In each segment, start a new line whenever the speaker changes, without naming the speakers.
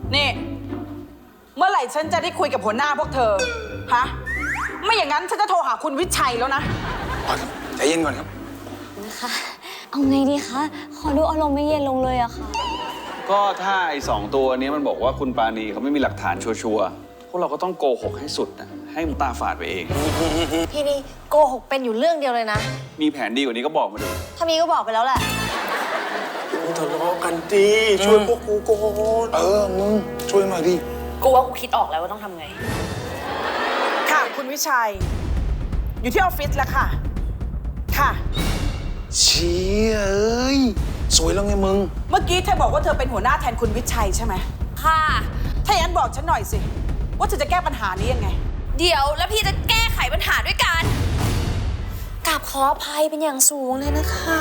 นี่เมื่อไหร่ฉันจะได้คุยกับหัวหน้าพวกเธอฮะไม่อย่างนั้นฉันจะโทรหาคุณวิชัยแล้วนะ
ใจเย็นก่อนครับ
นะคะเอาไงดีคะขอดูอารมณ์ไม่เย็นลงเลยอะค่ะ
ก็ถ้าไอ้2 ตัวนี้มันบอกว่าคุณปาณีเขาไม่มีหลักฐานชัวร์ๆพวกเราก็ต้องโกหกให้สุดนะให้มันตาฝาดไปเอง
พี่นี่โกหกเป็นอยู่เรื่องเดียวเลยนะ
มีแผนดีกว่านี้ก็บอกมาดู
ถ้ามีก็บอกไปแล้วแหละ
มึงทะเลาะกันดีช่วยพวกกูก่อนมึงช่วยหน่อยดิ
กูว่ากูคิดออกแล้วว่าต้องทำไง
ค่ะคุณวิชัยอยู่ที่ออฟฟิศแล้วค่ะค่ะ
เชี่ยเอ้ยสวยแล้วไงมึง
เมื่อกี้เธอบอกว่าเธอเป็นหัวหน้าแทนคุณวิชัยใช่ไหม
ค่ะ
ถ้าอย่างนั้นบอกฉันหน่อยสิว่าเธอจะแก้ปัญหานี้ยังไง
เดี๋ยวแล้วพี่จะแก้ไขปัญหาด้วยกัน
กราบขออภัยเป็นอย่างสูงเลยนะคะ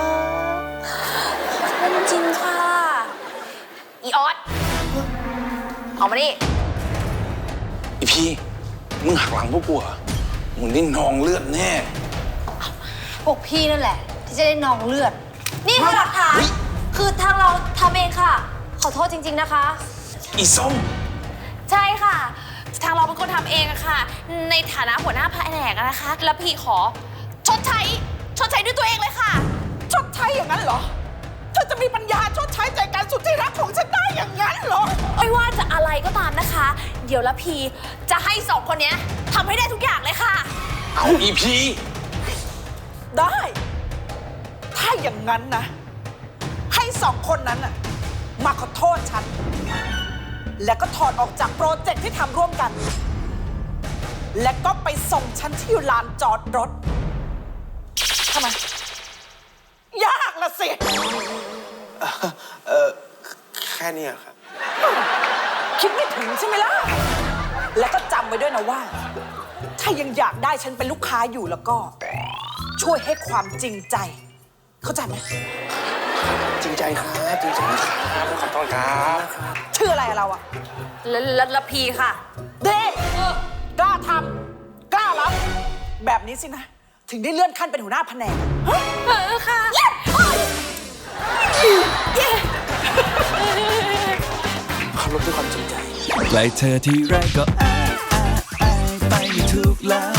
ขอโทษจริงค่ะ
อีออสเอามาดิ
อีพี่มึงหักหลังพวกกูเหรอมึงได้นองเลือดแน่
พวกพี่นั่นแหละที่จะได้นองเลือดนี่คือหลักฐานคือทางเราทำเองค่ะขอโทษจริงๆนะคะ
อีส้ม
ใช่ค่ะทางเราเป็นคนทำเองอะค่ะในฐานะหัวหน้าแผนกนะคะแล้วพี่ขอชดใช้ด้วยตัวเองเลยค่ะ
ชดใช้อย่างนั้นเหรอเธอจะมีปัญญาชดใช้ใจการสุดที่รักของฉันได้อย่างนั้นเหรอ
ไม่ว่าจะอะไรก็ตามนะคะเดี๋ยวละพีจะให้2 คนนี้ทำให้ได้ทุกอย่างเลยค่ะ
เอาอีพี
ได้ถ้าอย่างนั้นนะให้2 คนนั้นน่ะมาขอโทษฉันแล้วก็ถอดออกจากโปรเจกต์ที่ทำร่วมกันและก็ไปส่งฉันที่ลานจอดรถทำไมยากละสิ
แค่นี้ครับ
คิดไม่ถึงใช่ไหมล่ะแล้วก็จำไว้ด้วยนะว่าถ้ายังอยากได้ฉันเป็นลูกค้าอยู่แล้วก็ช่วยให้ความจริงใจเข้าใจไหม
จริงใจครับจริงใจครับขอโทษครับ
ชื่ออะไรเราอะ
ละพีค่ะ
เด้กล้าทำกล้ารับแบบนี้สินะถึงได้เลื่อนขั้นเป็นหัวหน้าแผนก
ค่ะ
เขาลบด้วยความจริงใจ
ใกล้เธอที่ไรก็อายไปไม่ถูกแล้ว